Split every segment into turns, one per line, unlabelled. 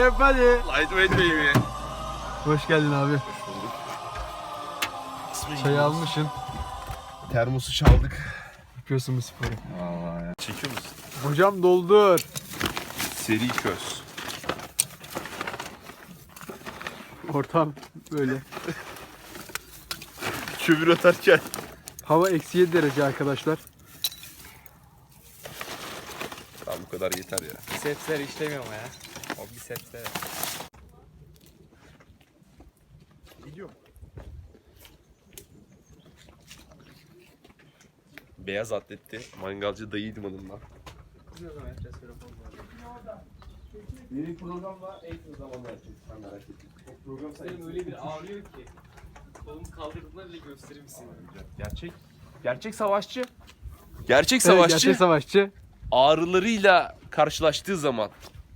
Öp hadi.
Lightweight baby.
Hoş geldin abi.
Hoş bulduk.
Çay almışsın.
Termosu çaldık.
Yapıyorsun bu sporu.
Vallahi ya. Çekiyor musun?
Hocam doldur.
Seri köz.
Ortam böyle.
Kömür atarken.
Hava eksi 7 derece arkadaşlar.
Tamam bu kadar yeter ya.
Bisepsler işlemiyor mu ya? O bisepsler.
Gidiyorum. Beyaz atletli mangalcı dayıydım adından. Benim programla en kısa zamanda yapacağız. Sen merak etme. O program
Benim öyle bir ağrıyor ki. Kolumu kaldırdığımda bile gösterir misin?
Gerçek savaşçı. Gerçek savaşçı
Gerçek savaşçı.
ağrılarıyla karşılaştığı zaman.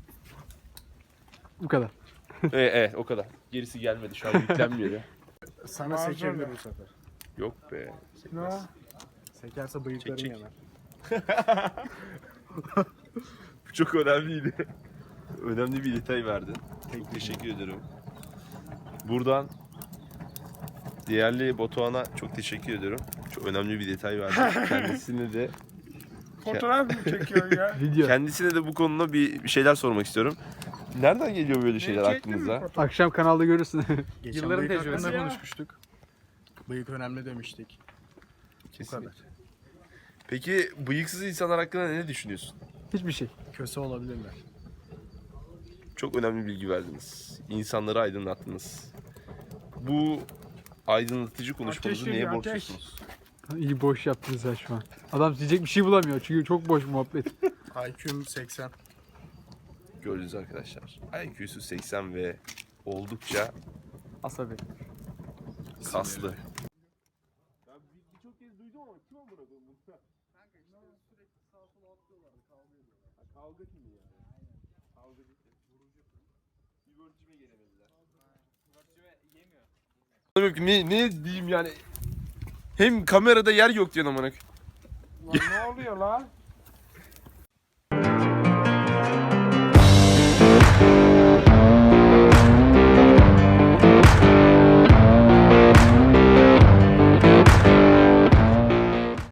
Bu kadar.
Evet o kadar. Gerisi gelmedi şu an yüklenmiyor ya.
Sana sekebilir bu sefer.
Yok be. Sekmez.
Sekerse bıyıkların
Çek.
yanar.
Bu çok önemliydi. Önemli bir detay verdin. Çok teşekkür ederim. Buradan değerli Batuhan'a çok teşekkür ediyorum. Çok önemli bir detay verdin.
Fotoğraf mı çekiyor ya?
Video.
Kendisine de bu konuda bir şeyler sormak istiyorum. Nereden geliyor böyle şeyler
Çektin mi
aklınıza?
fotoğraf?
Akşam kanalda görürsün.
Geçen
Yılların
bıyık
tecrübesi
hakkında
ya.
konuşmuştuk. Bıyık önemli demiştik. Bu kadar.
Peki bıyıksız insanlar hakkında ne düşünüyorsun?
Hiçbir şey.
Köse olabilirler.
Çok önemli bilgi verdiniz. İnsanları aydınlattınız. Bu aydınlatıcı konuşmanızı
Ateş
neye
geliyor, ateş.
borçlusunuz?
İyi boş yaptınız ya şu an. Adam diyecek bir şey bulamıyor çünkü çok boş muhabbet.
IQ'm 80.
Gördünüz arkadaşlar. IQ'su 80 ve oldukça
Asabi.
kaslı. Ne diyeyim yani? Hem kamerada yer yok diyorsun amına.
Lan ne oluyor lan?